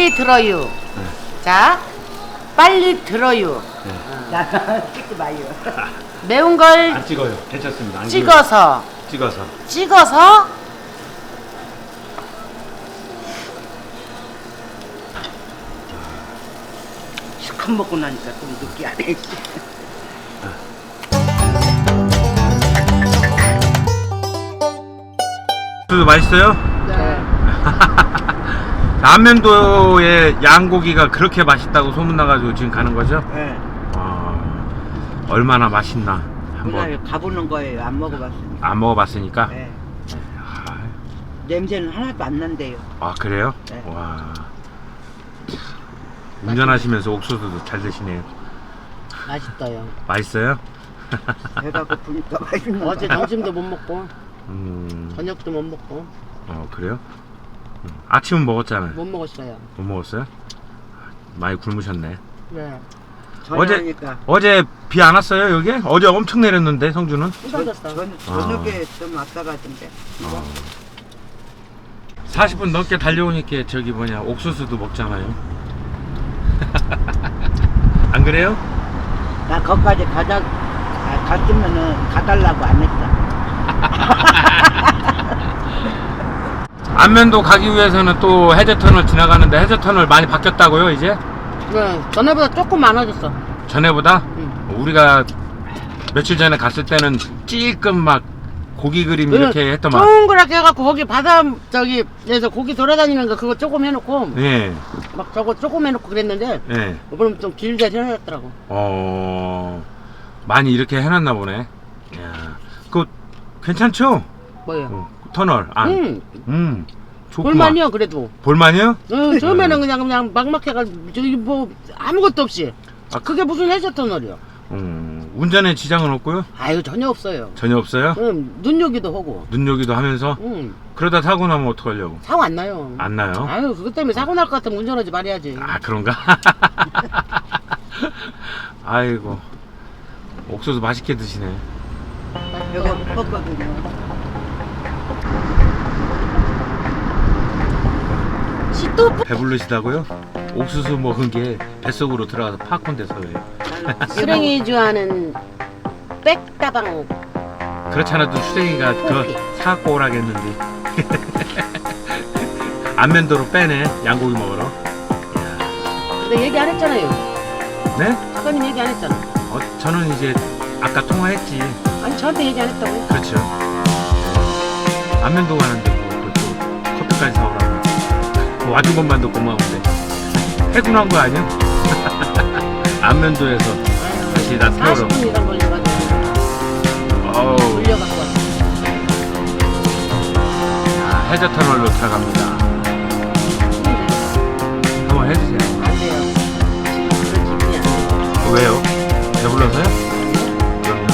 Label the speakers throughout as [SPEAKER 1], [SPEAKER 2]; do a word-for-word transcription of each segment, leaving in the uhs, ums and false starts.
[SPEAKER 1] 빨리 들어요.
[SPEAKER 2] 네.
[SPEAKER 1] 자, 빨리 들어요.
[SPEAKER 3] 나는 찍지 마요.
[SPEAKER 1] 매운 걸
[SPEAKER 2] 안 찍어요. 괜찮습니다. 안
[SPEAKER 1] 찍어서
[SPEAKER 2] 찍어요. 찍어서.
[SPEAKER 1] 찍어서
[SPEAKER 3] 시큼 먹고 나니까 좀 느끼하네.
[SPEAKER 2] 옥수수 맛있어요?
[SPEAKER 1] 네.
[SPEAKER 2] 안면도의 양고기가 그렇게 맛있다고 소문나가지고 지금 가는 거죠?
[SPEAKER 3] 네.
[SPEAKER 2] 아, 얼마나 맛있나 한번
[SPEAKER 3] 오늘 가보는 거예요. 안 먹어봤으니까.
[SPEAKER 2] 안 먹어봤으니까.
[SPEAKER 3] 네.
[SPEAKER 2] 아,
[SPEAKER 3] 냄새는 하나도 안 난대요.
[SPEAKER 2] 아 그래요?
[SPEAKER 3] 네.
[SPEAKER 2] 와. 운전하시면서 옥수수도 잘 드시네요.
[SPEAKER 1] 맛있어요.
[SPEAKER 2] 맛있어요?
[SPEAKER 3] 배가 고프니까 맛있는 거.
[SPEAKER 1] 어제 점심도 못 먹고
[SPEAKER 2] 음,
[SPEAKER 1] 저녁도 못 먹고
[SPEAKER 2] 어 그래요? 음, 아침은 먹었잖아요.
[SPEAKER 1] 못 먹었어요.
[SPEAKER 2] 못 먹었어요? 많이 굶으셨네.
[SPEAKER 1] 네.
[SPEAKER 3] 저녁이니까.
[SPEAKER 2] 어제 비 안 왔어요 여기? 어제 엄청 내렸는데 성주는?
[SPEAKER 1] 쏟아졌어.
[SPEAKER 3] 전, 저녁에 좀 왔다 가던데.
[SPEAKER 2] 어. 사십 분 넘게 달려오니까 저기 뭐냐 옥수수도 먹잖아요. 안 그래요?
[SPEAKER 3] 나 거기까지 가자, 아, 갔으면은 가달라고 안 했어.
[SPEAKER 2] 안면도 가기 위해서는 또 해저터널 지나가는데 해저터널 많이 바뀌었다고요 이제?
[SPEAKER 1] 네. 전에보다 조금 많아졌어.
[SPEAKER 2] 전에보다?
[SPEAKER 1] 응.
[SPEAKER 2] 우리가 며칠 전에 갔을 때는 찔끔 막 고기 그림 이렇게 했더만.
[SPEAKER 1] 동그랗게 해갖고 거기 바다 저기 에서 고기 돌아다니는 거 그거 조금 해놓고
[SPEAKER 2] 예,
[SPEAKER 1] 막 저거 조금 해놓고 그랬는데
[SPEAKER 2] 예.
[SPEAKER 1] 이번엔 좀 길게 해놨더라고.
[SPEAKER 2] 어, 많이 이렇게 해놨나 보네. 야, 그거 괜찮죠?
[SPEAKER 1] 뭐요?
[SPEAKER 2] 어, 터널 안.
[SPEAKER 1] 응.
[SPEAKER 2] 음, 좋구만.
[SPEAKER 1] 볼만이요 그래도.
[SPEAKER 2] 볼만이요?
[SPEAKER 1] 응, 처음에는 그냥 그냥 막막해가지고 저기 뭐 아무것도 없이.
[SPEAKER 2] 아,
[SPEAKER 1] 그게 무슨 해저터널이요?
[SPEAKER 2] 음, 운전에 지장은 없고요?
[SPEAKER 1] 아유 전혀 없어요.
[SPEAKER 2] 전혀 없어요?
[SPEAKER 1] 응, 눈요기도 하고.
[SPEAKER 2] 눈요기도 하면서?
[SPEAKER 1] 응,
[SPEAKER 2] 그러다 사고 나면 어떡하려고?
[SPEAKER 1] 사고 안 나요.
[SPEAKER 2] 안 나요?
[SPEAKER 1] 아유 그것 때문에 사고 날 것 같으면 운전하지 말아야지.
[SPEAKER 2] 아, 그런가? 아이고, 옥수수 맛있게 드시네.
[SPEAKER 3] 배가 고팠거든요.
[SPEAKER 1] 시도
[SPEAKER 2] 배부르시다고요? 옥수수 먹은 게 뱃속으로 들어가서 팝콘 돼서 그래요.
[SPEAKER 1] 수랭이 좋아하는 백다방.
[SPEAKER 2] 그렇지 않아도 수댕이가 그거 사갖고 오라겠는데. 안면도로 빼네, 양고기 먹으러.
[SPEAKER 1] 근데 얘기 안 했잖아요.
[SPEAKER 2] 네?
[SPEAKER 1] 작가님 얘기 안 했잖아.
[SPEAKER 2] 어, 저는 이제 아까 통화했지.
[SPEAKER 1] 아니 저한테 얘기 안 했다고요?
[SPEAKER 2] 그렇죠. 안면도 가는데 뭐, 또 커피까지 사오라고. 뭐 와준 것만도 고마운데. 해군한 거 아니야? 안면도에서 다시 나 태우러.
[SPEAKER 1] 사십 분 이상 걸려가지고
[SPEAKER 2] 어우,
[SPEAKER 1] 돌려갖고 왔어.
[SPEAKER 2] 아, 해저터널로 들어갑니다. 한번 해주세요.
[SPEAKER 1] 안 돼요. 지금 그런 기분이 안 돼요.
[SPEAKER 2] 왜요? 배불러서요? 그럼요.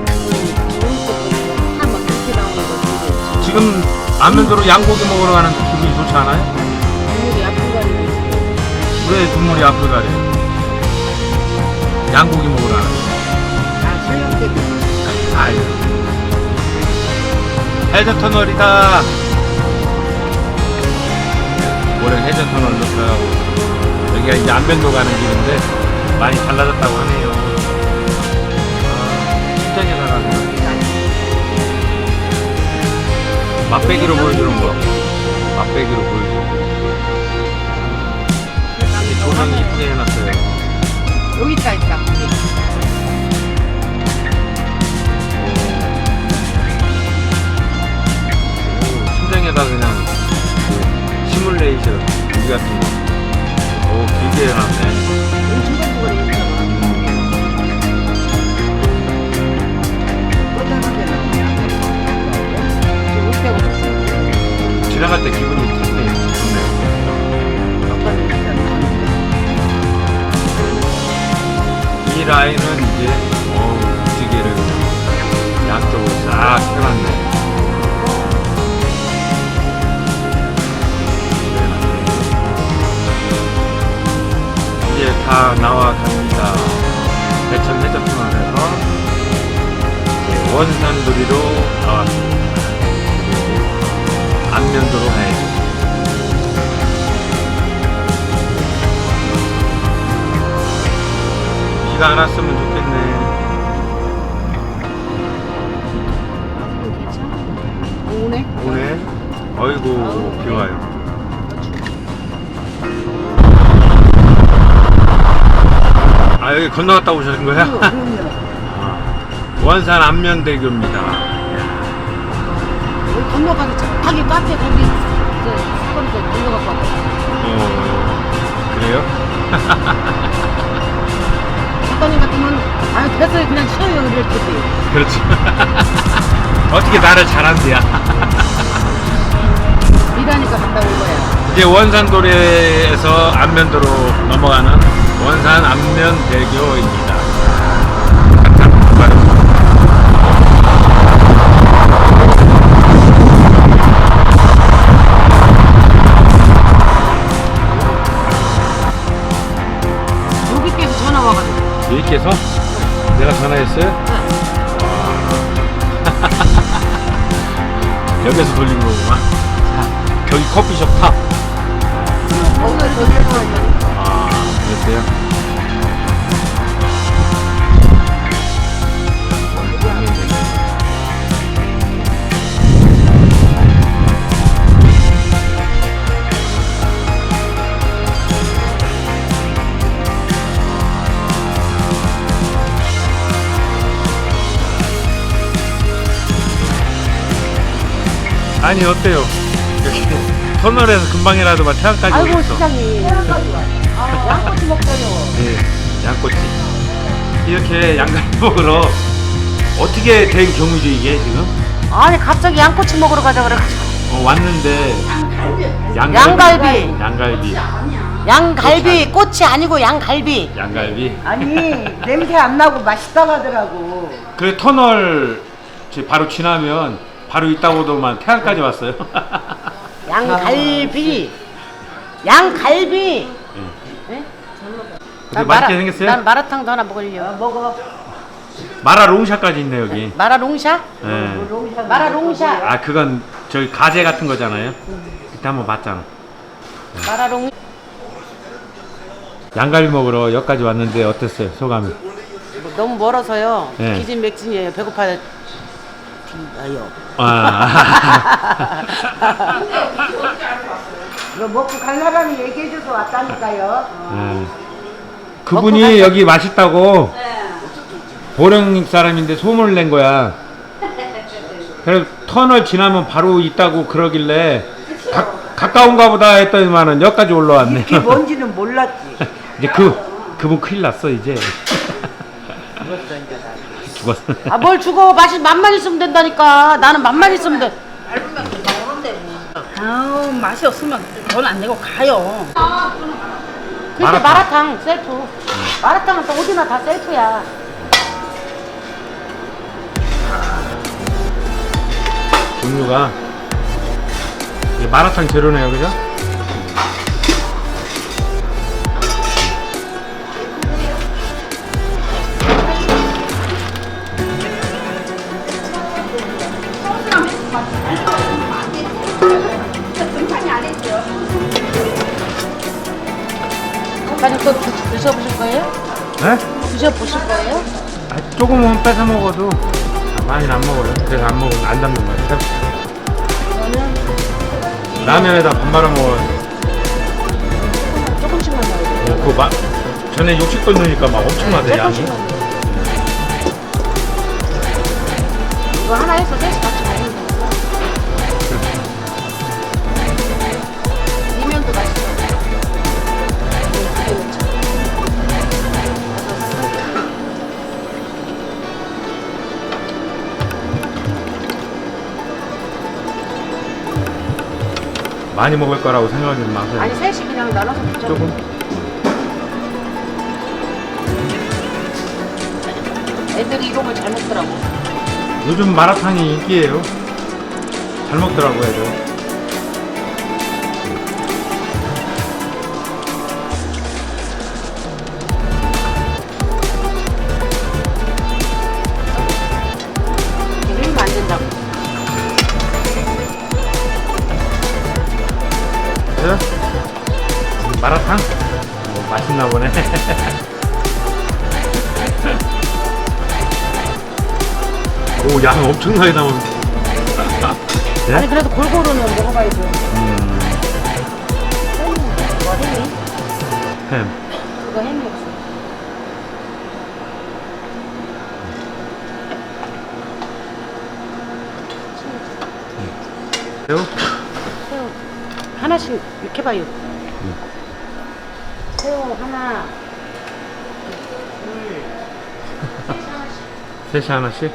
[SPEAKER 1] 한번 그렇게 나오는 거
[SPEAKER 2] 지금 안면도로 양고기 먹으러 가는데 기분이 좋지 않아요?
[SPEAKER 1] 눈물이 아픈 거 아니고
[SPEAKER 2] 왜 눈물이 앞을 가려? 양고기 먹으러 가는데.
[SPEAKER 3] 아, 설령 때문에.
[SPEAKER 2] 아유. 해저터널이다. 올해 해저터널로 들어가고 여기가 이제 안면도 가는 길인데 많이 달라졌다고 하네요. 아, 심장에다가 맛배기로 보여주는 거. 맛배기로 보여주는 거. 조명 이쁘게 해놨어요.
[SPEAKER 1] 여기 있다 있다.
[SPEAKER 2] 오, 심장에다 그냥 그 시뮬레이션 우리 같은 거. 오, 길게 해놨네.
[SPEAKER 1] 여기 중간중간에 있잖아. 지금 올 때가 없어.
[SPEAKER 2] 지나갈 때 기분이 좋네. 좋네. 이 라인은 이제 어 무지개를 양쪽으로 싹 펴놨네. 이제 다 나와 갑니다. 대천 해저터널에서 원산도리로 나왔습니다. 안면도로 가야죠. 비가 안 왔으면 좋겠네.
[SPEAKER 1] 오네.
[SPEAKER 2] 오네. 어이구 비 와요. 아 여기 건너갔다 오셨는 거야? 아, 원산 안면대교입니다.
[SPEAKER 1] 여기 건너가서 저기 카페 거기 사거리에서 건너갖고 왔거든.
[SPEAKER 2] 어 그래요?
[SPEAKER 1] 작가님 같으면 아유 됐어요 그냥 쉬어요 이럴 텐데.
[SPEAKER 2] 그렇지. 어떻게 나를 잘한대야.
[SPEAKER 1] 일하니까 갔다 온 거야.
[SPEAKER 2] 이제 원산도로에서 안면도로 넘어가는 원산 안면대교입니다.
[SPEAKER 1] 여기께서 전화 와가지고.
[SPEAKER 2] 여기께서 내가 전화했어요?
[SPEAKER 1] 네.
[SPEAKER 2] 여기서 돌린 거구만. 거기 커피숍 탑.
[SPEAKER 1] 거기서 저기서
[SPEAKER 2] 아, 그랬어요? 아니 어때요? 여기 터널에서 금방이라도 태양까지
[SPEAKER 1] 아이고
[SPEAKER 2] 오겠어.
[SPEAKER 1] 시장님. 아, 양꼬치 먹자요.
[SPEAKER 2] 네, 양꼬치. 이렇게 양갈비 먹으러 어떻게 된 경우죠 이게 지금?
[SPEAKER 1] 아니 갑자기 양꼬치 먹으러 가자 그래가지고.
[SPEAKER 2] 어, 왔는데 양갈비.
[SPEAKER 1] 양갈비.
[SPEAKER 2] 양갈비.
[SPEAKER 1] 양갈비 꼬치 아니고 양갈비.
[SPEAKER 2] 양갈비.
[SPEAKER 3] 아니 냄새 안 나고 맛있다고 하더라고.
[SPEAKER 2] 그 터널 저 바로 지나면 바로 있다고도만 태안까지 왔어요.
[SPEAKER 1] 양갈비. 양갈비. 네?
[SPEAKER 2] 근데 맛있게 생겼어요?
[SPEAKER 1] 난 마라탕도 하나 먹으려.
[SPEAKER 3] 어, 먹어.
[SPEAKER 2] 마라 롱샤까지 있네 여기.
[SPEAKER 1] 마라롱샤?
[SPEAKER 2] 네.
[SPEAKER 1] 마라롱샤.
[SPEAKER 2] 아 그건 저기 가재 같은 거잖아요. 그때 한번 봤잖아.
[SPEAKER 1] 마라롱.
[SPEAKER 2] 양갈비 먹으러 여기까지 왔는데 어땠어요 소감이?
[SPEAKER 1] 뭐 너무 멀어서요.
[SPEAKER 2] 네.
[SPEAKER 1] 기진맥진이에요. 배고파요. 아요.
[SPEAKER 2] 아.
[SPEAKER 3] 이거 먹고 갈라라는 얘기해줘서 왔다니까요.
[SPEAKER 2] 네. 그분이 여기 맛있다고 보령 사람인데 소문을 낸 거야. 그래서 터널 지나면 바로 있다고 그러길래 가, 가까운가 보다 했더니만은 여기까지 올라왔네.
[SPEAKER 3] 이게 뭔지는 몰랐지.
[SPEAKER 2] 이제 그 그분 큰일 났어 이제. 죽었어.
[SPEAKER 1] 아 뭘 죽어. 맛이 맛만 있으면 된다니까. 나는 맛만 있으면 돼.
[SPEAKER 4] 아우 맛이 없으면 돈 안 내고 가요.
[SPEAKER 1] 근데
[SPEAKER 2] 마라탕.
[SPEAKER 1] 마라탕, 셀프. 마라탕은 또 어디나 다 셀프야.
[SPEAKER 2] 종류가 이게 마라탕 재료네요, 그죠?
[SPEAKER 1] 아니 또 드- 드셔보실 거예요?
[SPEAKER 2] 네?
[SPEAKER 1] 드셔보실 거예요?
[SPEAKER 2] 아, 조금은 뺏어 먹어도 아, 많이는 안 먹어요. 그래서 안 먹으면 안 담는 거예요. 라면에다 밥 말아 먹어요.
[SPEAKER 1] 조금씩만 넣어야 돼요.
[SPEAKER 2] 어, 그거 막 전에 육십 돈 넣으니까 막 엄청나대 양이.
[SPEAKER 1] 조금씩만 넣어요. 이거 하나 해서 셋이 같이 먹으면 되니까. 이면도 맛있어.
[SPEAKER 2] 많이 먹을 거라고 생각하지 마세요.
[SPEAKER 1] 아니 셋이 그냥 나눠서 먹자.
[SPEAKER 2] 조금.
[SPEAKER 1] 애들이 이런 걸 잘 먹더라고.
[SPEAKER 2] 요즘 마라탕이 인기예요. 잘 먹더라고 애들.
[SPEAKER 1] 이러면 안 된다고.
[SPEAKER 2] 그래요? 마라탕? 뭐 맛있나 보네. 오, 양 엄청나게 남은. 네?
[SPEAKER 1] 아니 그래도 골고루는 먹어봐야죠.
[SPEAKER 2] 음,
[SPEAKER 1] 이거 햄이?
[SPEAKER 2] 햄.
[SPEAKER 1] 이거 햄이 없어.
[SPEAKER 2] 새우?
[SPEAKER 1] 새우 하나씩 이렇게 봐요. 새우 하나, 둘, 셋 하나씩.
[SPEAKER 2] 셋이 하나씩?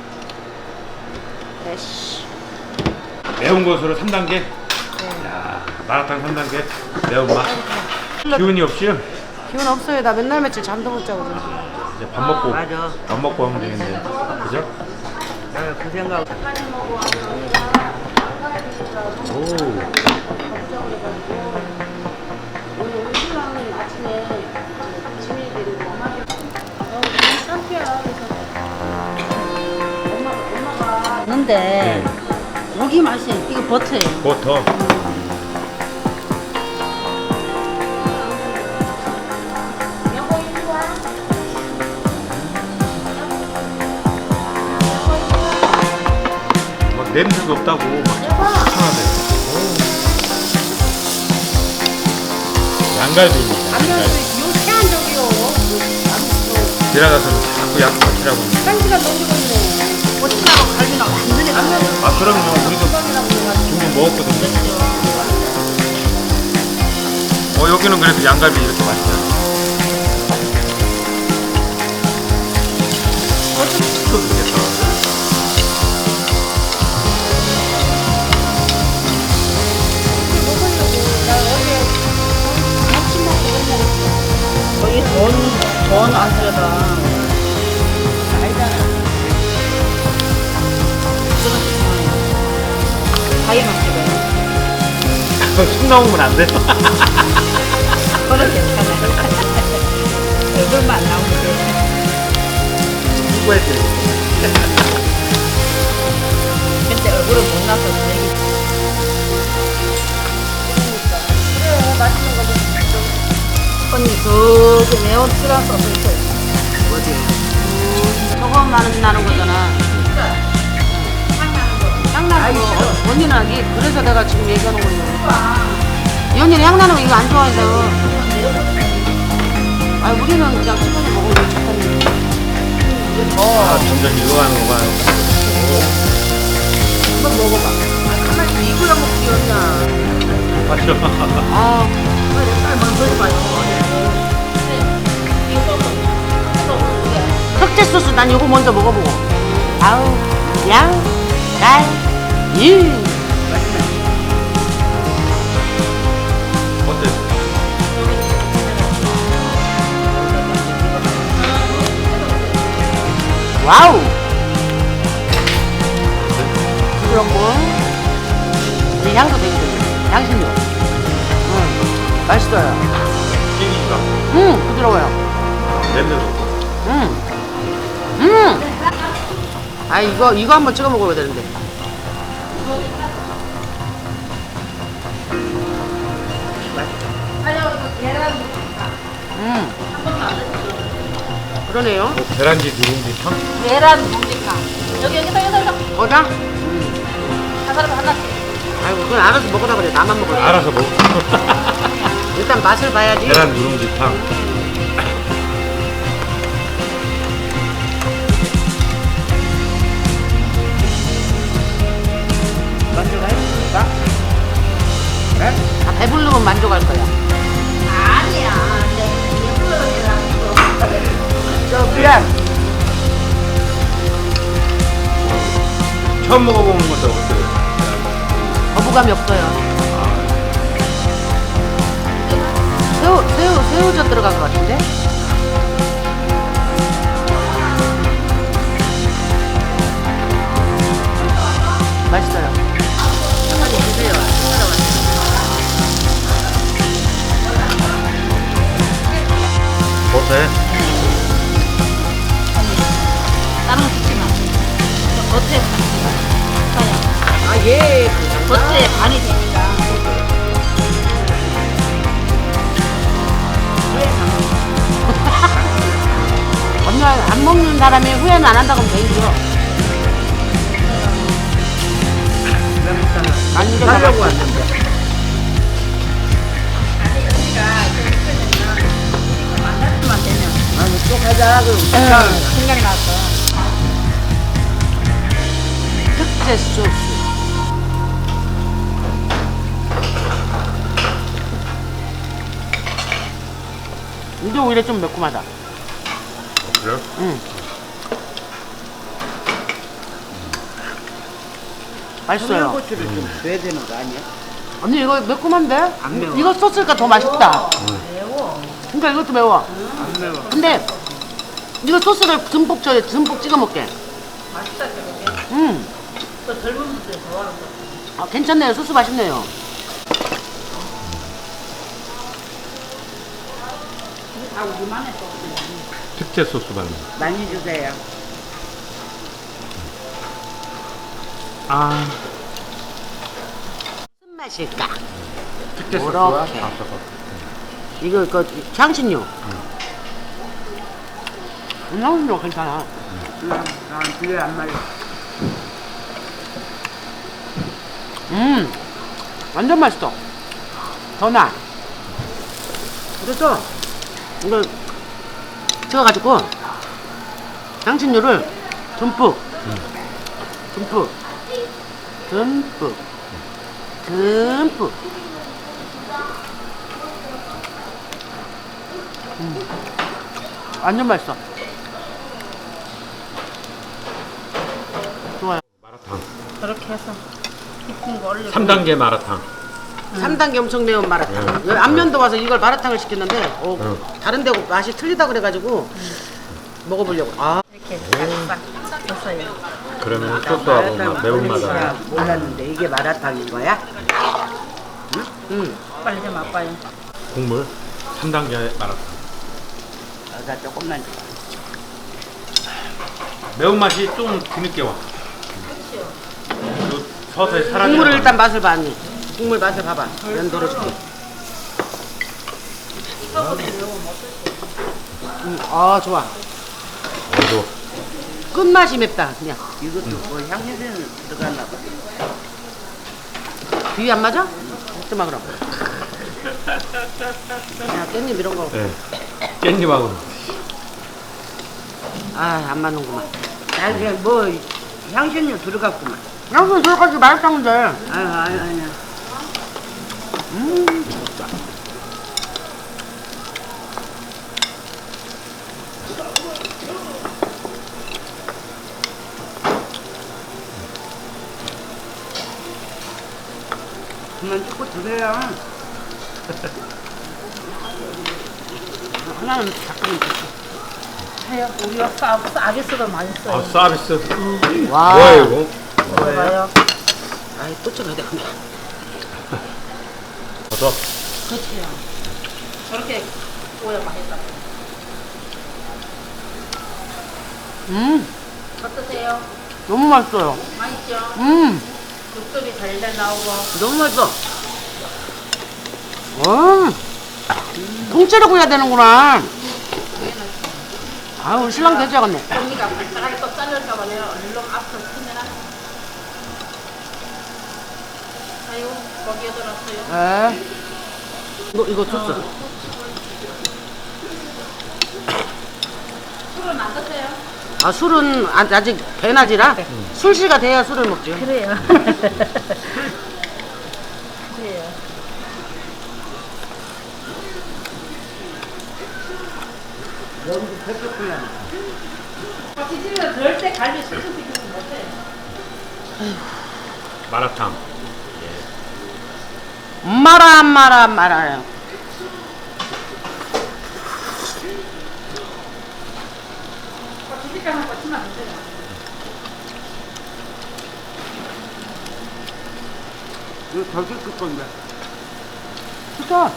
[SPEAKER 1] 넷.
[SPEAKER 2] 매운 것으로 삼 단계?
[SPEAKER 1] 네.
[SPEAKER 2] 야, 마라탕 삼 단계. 매운맛. 기운이 없이요?
[SPEAKER 1] 기운 없어요. 나 맨날 며칠 잠도 못 자고. 지금.
[SPEAKER 2] 이제 밥 먹고.
[SPEAKER 3] 맞아.
[SPEAKER 2] 밥 먹고 하면 되겠네. 그죠?
[SPEAKER 3] 내가 그 생각.
[SPEAKER 2] 오.
[SPEAKER 1] 오늘 신랑은 아침에 짐을 데리고 엄마가 어, 깜피야. 그래서 엄마가 엄마가 왔는데
[SPEAKER 2] 네.
[SPEAKER 1] 고기 맛이 이거 버터예요.
[SPEAKER 2] 버터.
[SPEAKER 1] 여보 이리 와.
[SPEAKER 2] 막 냄새도 없다고 막 시원하대. 양갈비입니다.
[SPEAKER 1] 안면서
[SPEAKER 2] 양갈비.
[SPEAKER 1] 요 태안적이요. 아무튼
[SPEAKER 2] 지나가서는 자꾸 양 같이라고.
[SPEAKER 1] 한 시간 넘기겠네. 고추하고 갈비는 완전히 안면서
[SPEAKER 2] 아, 그럼요. 우리도 종종 먹었거든요. 어, 여기는 그래도 양갈비 이렇게 맛있다. 또 좋겠다.
[SPEAKER 4] 거기 돈, 돈 안 들여다.
[SPEAKER 1] 알잖아.
[SPEAKER 4] 가위만 찍어요.
[SPEAKER 2] 술 나오면 안 돼?
[SPEAKER 4] 그거는 괜찮아요. 얼굴만 안 나오면 돼.
[SPEAKER 2] 누구한테?
[SPEAKER 4] 근데 얼굴은 못 나서 다행이지.
[SPEAKER 1] 그래 맛있는 거 좀.
[SPEAKER 4] 언니 그 매운 쓰라서 없어요.
[SPEAKER 1] 저거만 나는 거잖아. 향 나는 거. 어, 언니는 아기 그래서 내가 지금 얘기하는 거예요. 이 언니는 향 나는 거 이거 안 좋아해서. 아 우리는 그냥 시간에 먹으면 좋다니.
[SPEAKER 2] 아, 점점 이거 하는 거 봐요.
[SPEAKER 1] 한번 먹어봐. 아 가만히 이거야 먹지 언니야.
[SPEAKER 2] 맞죠?
[SPEAKER 1] 아 그래 한번 먹어봐요. 흑제 소스 난 이거 먼저 먹어보고. 아우 양, 갈, 이.
[SPEAKER 2] 어때?
[SPEAKER 1] 와우. 부드럽고 이 향도 되게 좋네. 향신료. 응, 맛있어요.
[SPEAKER 2] 튀기니까
[SPEAKER 1] 응, 부드러워요.
[SPEAKER 2] 냄새도 없고.
[SPEAKER 1] 응. 음. 아 이거 이거 한번 찍어 먹어야 되는데. 음. 그러네요.
[SPEAKER 2] 뭐 계란지 누룽지 탕?
[SPEAKER 4] 계란 묵직함. 여기 여기서 여기서
[SPEAKER 1] 거다?
[SPEAKER 4] 한 사람 하나씩.
[SPEAKER 1] 아이고 그건 알아서 먹으라 그래. 나만 먹을 거야.
[SPEAKER 2] 알아서 먹어.
[SPEAKER 1] 일단 맛을 봐야지.
[SPEAKER 2] 계란 누룽지 탕.
[SPEAKER 1] 만족하십니까? 네? 아, 배부르면 만족할 거야.
[SPEAKER 4] 아니야.
[SPEAKER 1] 저 미안.
[SPEAKER 2] 처음 먹어보는 것도 어때요?
[SPEAKER 1] 거부감이 없어요. 새우, 새우, 새우젓 들어간 것 같은데? 맛있어요. 한마디 주세요.
[SPEAKER 2] 어때?
[SPEAKER 4] 다른 거 듣지 마. 저 겉에 사야.
[SPEAKER 1] 아, 예.
[SPEAKER 4] 겉에 반이 되니까.
[SPEAKER 1] 언니 안 먹는 사람이 후회는 안 한다고 하면 되죠. 완전
[SPEAKER 3] 하려고
[SPEAKER 1] 맛있어.
[SPEAKER 3] 왔는데.
[SPEAKER 4] 만났으면 되면.
[SPEAKER 3] 아니 또 가자. 그럼
[SPEAKER 4] 생각이 났어.
[SPEAKER 1] 특제 소스. 근데 오히려 좀 매콤하다.
[SPEAKER 2] 그래요?
[SPEAKER 1] 응. 맛있어요.
[SPEAKER 3] 청양고추를 좀 줘야 되는 거 아니야?
[SPEAKER 1] 언니 이거 매콤한데?
[SPEAKER 3] 안 매워.
[SPEAKER 1] 이거 소스가 더 맛있다.
[SPEAKER 4] 매워.
[SPEAKER 1] 그러니까 이것도 매워.
[SPEAKER 3] 안 매워.
[SPEAKER 1] 근데 이거 소스를 듬뿍 줘, 듬뿍 찍어 먹게.
[SPEAKER 4] 맛있다 저게.
[SPEAKER 1] 음,
[SPEAKER 4] 또 젊은 분들 좋아하는 거.
[SPEAKER 1] 아, 괜찮네요. 소스 맛있네요.
[SPEAKER 4] 다 우리만의 또.
[SPEAKER 2] 특제 소스 받는.
[SPEAKER 3] 많이 주세요.
[SPEAKER 2] 아,
[SPEAKER 1] 무슨 맛일까?
[SPEAKER 2] 특제
[SPEAKER 1] 요렇게.
[SPEAKER 2] 소스와 다 섞어.
[SPEAKER 1] 이거 그 향신료. 음, 향신료 괜찮아.
[SPEAKER 3] 난 그래 안 말려.
[SPEAKER 1] 음, 완전 맛있어. 더 나. 그래서 이걸 찍어가지고 향신료를 듬뿍, 듬뿍, 듬뿍, 듬뿍. 음, 완전 맛있어. 좋아요.
[SPEAKER 2] 마라탕.
[SPEAKER 4] 그렇게 해서 깊은 거 올려.
[SPEAKER 2] 삼 단계 마라탕.
[SPEAKER 1] 삼 단계 엄청 매운 마라탕. 여기 안면도 와서 이걸 마라탕을 시켰는데 어,
[SPEAKER 2] 응.
[SPEAKER 1] 다른 데 맛이 틀리다 그래가지고 먹어보려고. 아,
[SPEAKER 4] 이렇게 싹 됐어요.
[SPEAKER 2] 그러면 소스하고 막 매운맛을.
[SPEAKER 3] 몰랐는데 이게 마라탕인 거야?
[SPEAKER 1] 음,
[SPEAKER 4] 빨리 좀 맛봐요.
[SPEAKER 2] 국물 삼 단계 마라탕.
[SPEAKER 3] 나 조금만 줘.
[SPEAKER 2] 매운맛이 좀 뒤늦게 와. 그리고 서서히 사라지는
[SPEAKER 1] 국물을
[SPEAKER 2] 맛.
[SPEAKER 1] 일단 맛을 봐, 언니. 국물 맛을 봐봐. 면 덜어줄게. 음, 아, 좋아.
[SPEAKER 2] 어도
[SPEAKER 1] 끝맛이 맵다, 그냥.
[SPEAKER 3] 이것도 뭐 향신료는 들어갔나 봐.
[SPEAKER 1] 비위 안 맞아? 먹지 마, 그럼. 야, 깻잎 이런 거.
[SPEAKER 2] 네. 깻잎하고.
[SPEAKER 1] 아, 안 맞는구만.
[SPEAKER 3] 나 그냥 뭐 향신료 들어갔구만.
[SPEAKER 1] 양손 저까지 마라탕인데.
[SPEAKER 3] 아유 아유 아유.
[SPEAKER 1] 음, 좋다.
[SPEAKER 3] 그만 찍고 드세요.
[SPEAKER 1] 하나는 잠깐만 줄게.
[SPEAKER 4] 해요. 우리가 사, 서비스도 맛있어요.
[SPEAKER 2] 아, 서비스.
[SPEAKER 1] 와.
[SPEAKER 2] 뭐야 이거?
[SPEAKER 4] 먹어봐요.
[SPEAKER 1] 아이, 또 찍어야 돼, 근데.
[SPEAKER 2] 어서.
[SPEAKER 4] 그렇지요. 저렇게 구워야 맛있다.
[SPEAKER 1] 음,
[SPEAKER 4] 어떠세요?
[SPEAKER 1] 너무 맛있어요.
[SPEAKER 4] 맛있죠?
[SPEAKER 1] 음,
[SPEAKER 4] 육즙이 달달 나오고.
[SPEAKER 1] 너무 맛있어. 와, 통째로 구워야 되는구나. 아, 우리 신랑 되져갔네.
[SPEAKER 4] 언니가 발사하게 또 잘릴까봐 내가 얼른 앞으로 크면 아유, 거기에 들었어요.
[SPEAKER 1] 에. 이거, 이거 소스.
[SPEAKER 4] 술은 안 드세요?
[SPEAKER 1] 아, 술은 아- 아직 배낮이라 술시가 돼야 술을 먹죠.
[SPEAKER 4] 그래요. 그래요.
[SPEAKER 3] 여기도 페퍼클라.
[SPEAKER 4] 지지면 그럴 때 갈비 수수 비교는 못해.
[SPEAKER 2] 마라탕.
[SPEAKER 1] 마라, 마라, 마라요.
[SPEAKER 4] 지지가는 거치면 안 돼요.
[SPEAKER 3] 이거 더 시킬 건데.
[SPEAKER 1] 진짜.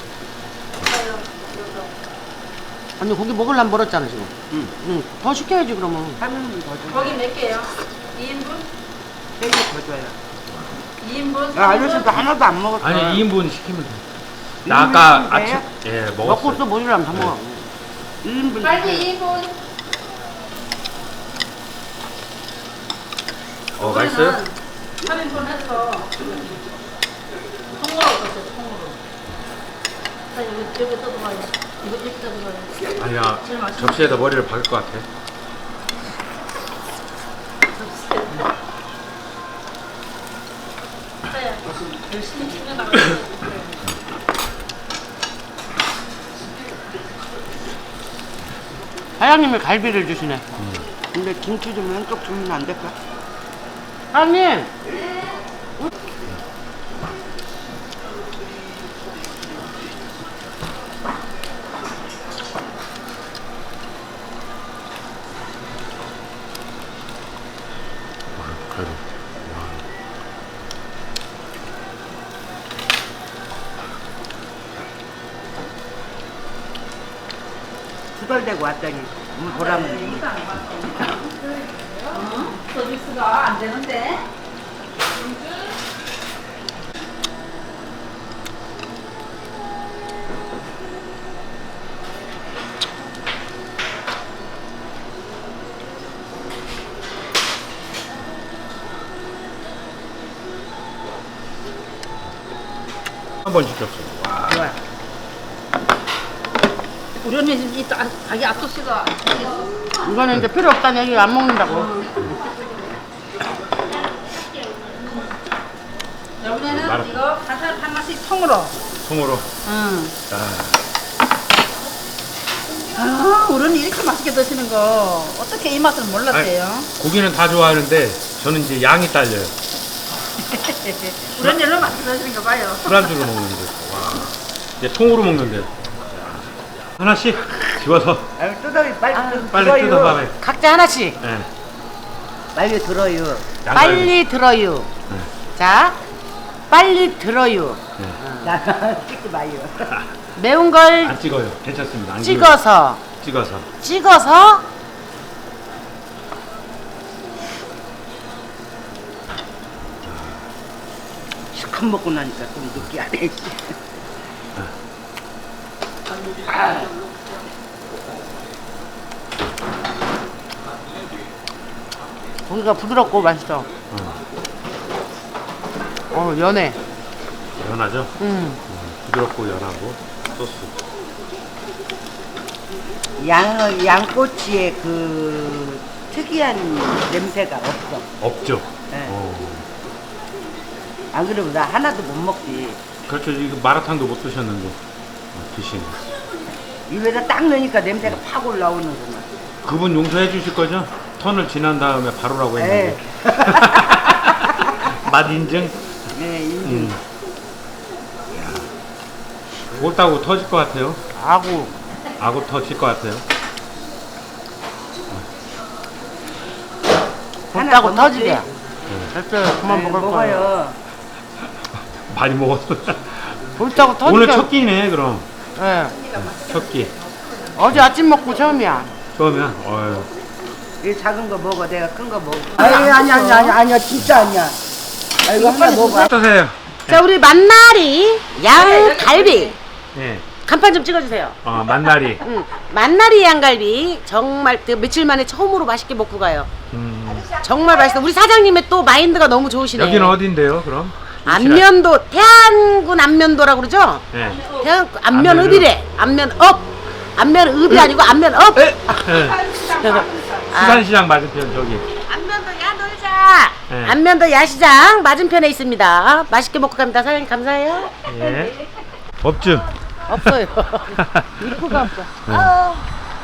[SPEAKER 1] 아니, 고기 먹으려면 멀었잖아, 지금.
[SPEAKER 3] 응.
[SPEAKER 1] 응. 더 시켜야지, 그러면.
[SPEAKER 3] 하면 더 줘.
[SPEAKER 4] 거기 몇 개요? 이 인분?
[SPEAKER 3] 세개 더 줘요.
[SPEAKER 4] 이 인분?
[SPEAKER 3] 야 아저씨도 하나도 안 먹었어.
[SPEAKER 2] 아니 이 인분 시키면 돼.
[SPEAKER 3] 이
[SPEAKER 2] 나 아까
[SPEAKER 3] 인분
[SPEAKER 2] 아침
[SPEAKER 3] 돼요?
[SPEAKER 2] 예
[SPEAKER 1] 먹고
[SPEAKER 2] 먹었어.
[SPEAKER 1] 또 먹으려면 다 먹어.
[SPEAKER 3] 일 인분.
[SPEAKER 4] 갈비 이 인분.
[SPEAKER 2] 어 맛있어요?
[SPEAKER 4] 팔 인분 해서 통으로 줬어요. 통으로. 자 여기 여기 떠들어가요. 이거 이렇게 떠들어가요.
[SPEAKER 2] 아니야, 접시에다 머리를 박을 것 같아.
[SPEAKER 4] 자야 열심히 챙겨나가.
[SPEAKER 1] 사장님이 갈비를 주시네. 근데 김치 좀 왼쪽 주면 안 될까? 사장님!
[SPEAKER 2] 갈비.
[SPEAKER 3] 투덜대고 왔더니 음, 보라면
[SPEAKER 4] 서비스가 안 되는데.
[SPEAKER 2] 한 번 시켰어.
[SPEAKER 3] 좋아.
[SPEAKER 4] 우리 언니 지금 이 자- 자기 앞소스가
[SPEAKER 1] 이거는 이제 필요 없다는 얘기 안 먹는다고.
[SPEAKER 4] 여기는
[SPEAKER 2] 말아.
[SPEAKER 4] 이거 가살 하나씩 통으로.
[SPEAKER 2] 통으로.
[SPEAKER 1] 응.
[SPEAKER 2] 자,
[SPEAKER 4] 아, 우리 언니 이렇게 맛있게 드시는 거 어떻게 이 맛을 몰랐대요?
[SPEAKER 2] 고기는 다 좋아하는데 저는 이제 양이 딸려요.
[SPEAKER 4] 우리 언니 얼마나 맛있게 드시는 거 봐요.
[SPEAKER 2] 술안주로 먹는데. 와. 이제 통으로 먹는데. 하나씩 집어서
[SPEAKER 3] 아유, 뜯어 빨리
[SPEAKER 1] 아,
[SPEAKER 3] 뜯-
[SPEAKER 2] 빨리
[SPEAKER 3] 들어요.
[SPEAKER 2] 뜯어 봐요.
[SPEAKER 1] 각자 하나씩.
[SPEAKER 2] 네.
[SPEAKER 3] 빨리 들어요.
[SPEAKER 2] 양갈비.
[SPEAKER 1] 빨리 들어요.
[SPEAKER 2] 네.
[SPEAKER 1] 자, 빨리 들어요.
[SPEAKER 3] 나 찍지 마요.
[SPEAKER 1] 매운 걸
[SPEAKER 2] 안 찍어요. 괜찮습니다. 안
[SPEAKER 1] 찍어서,
[SPEAKER 2] 찍어요. 찍어서.
[SPEAKER 1] 찍어서
[SPEAKER 3] 시컷 먹고 나니까 좀 느끼하네.
[SPEAKER 1] 고기가 부드럽고 맛있어. 어, 연해.
[SPEAKER 2] 연하죠?
[SPEAKER 1] 음.
[SPEAKER 2] 부드럽고 연하고 소스.
[SPEAKER 3] 양 양꼬치의 그 특이한 냄새가 없어.
[SPEAKER 2] 없죠?
[SPEAKER 3] 네.
[SPEAKER 2] 어.
[SPEAKER 3] 안 그러면 나 하나도 못 먹지.
[SPEAKER 2] 그렇죠. 이거 마라탕도 못 드셨는데 어, 드시네.
[SPEAKER 3] 입에다 딱 넣으니까 냄새가 팍 올라오는구만.
[SPEAKER 2] 그분 용서해 주실 거죠? 턴을 지난 다음에 바로라고 했는데. 맛 인증?
[SPEAKER 3] 네, 인증.
[SPEAKER 2] 음. 옳다고 터질 것 같아요.
[SPEAKER 1] 아구.
[SPEAKER 2] 아구 터질 것 같아요.
[SPEAKER 3] 하나
[SPEAKER 1] 곱다고
[SPEAKER 3] 더
[SPEAKER 1] 터지게.
[SPEAKER 3] 먹지?
[SPEAKER 1] 절대 그만
[SPEAKER 3] 네,
[SPEAKER 1] 먹을 거예요.
[SPEAKER 3] 먹어요.
[SPEAKER 2] 많이 먹었어.
[SPEAKER 1] 곱다고 터지게.
[SPEAKER 2] 오늘 첫 끼네 그럼.
[SPEAKER 1] 예.
[SPEAKER 2] 첫 끼.
[SPEAKER 1] 어제 아침 먹고 처음이야.
[SPEAKER 2] 처음이야? 어휴.
[SPEAKER 3] 이 작은 거 먹어. 내가 큰 거 먹어. 아니 아니 아니 아니 아니야 진짜 아니야. 아이고 하나 먹어.
[SPEAKER 2] 어떠세요?
[SPEAKER 1] 자, 우리 만나리 양갈비.
[SPEAKER 2] 예.
[SPEAKER 1] 간판 좀 찍어주세요.
[SPEAKER 2] 어, 만나리.
[SPEAKER 1] 응. 만나리 양갈비 정말 그 며칠 만에 처음으로 맛있게 먹고 가요.
[SPEAKER 2] 음.
[SPEAKER 1] 정말 맛있어. 우리 사장님의 또 마인드가 너무 좋으시네.
[SPEAKER 2] 여기는 어딘데요, 그럼?
[SPEAKER 1] 안면도 태안군 안면도라고 그러죠?
[SPEAKER 2] 예.
[SPEAKER 1] 태안 안면읍이래. 안면읍. 안면읍이 아니고 안면읍.
[SPEAKER 2] 예.
[SPEAKER 1] 아,
[SPEAKER 2] 수산시장 맞은편 저기.
[SPEAKER 1] 안면도 야놀자.
[SPEAKER 2] 네.
[SPEAKER 1] 안면도 야시장 맞은편에 있습니다. 맛있게 먹고 갑니다. 사장님 감사해요.
[SPEAKER 2] 예. 법주.
[SPEAKER 1] 없어요. 입구가 없어.
[SPEAKER 2] 네.
[SPEAKER 1] 아.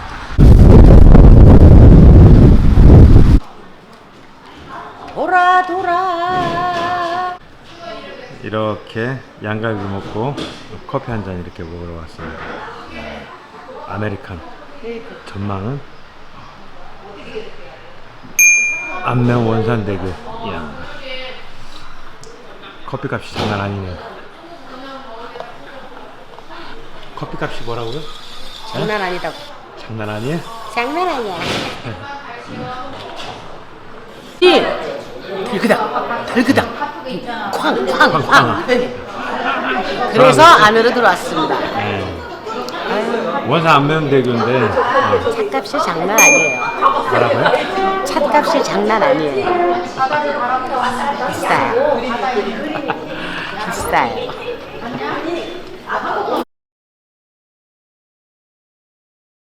[SPEAKER 1] 돌아 돌아.
[SPEAKER 2] 이렇게 양갈비 먹고 커피 한 잔 이렇게 먹으러 왔습니다. 아메리칸. 전망은 안면 원산대교. 이야. 커피값이 장난 아니네요. 커피값이 뭐라고요?
[SPEAKER 1] 장난 아니다고.
[SPEAKER 2] 장난 아니에요?
[SPEAKER 1] 장난 아니야. 이 들그닥 들그닥 쾅쾅쾅. 그래서 안으로 들어왔습니다.
[SPEAKER 2] 네. 원산 안면대교인데 어,
[SPEAKER 1] 차값이 장난 아니에요.
[SPEAKER 2] 뭐라고요?
[SPEAKER 1] 차 팥값이 장난 아니에요. 비싸요. 비싸요.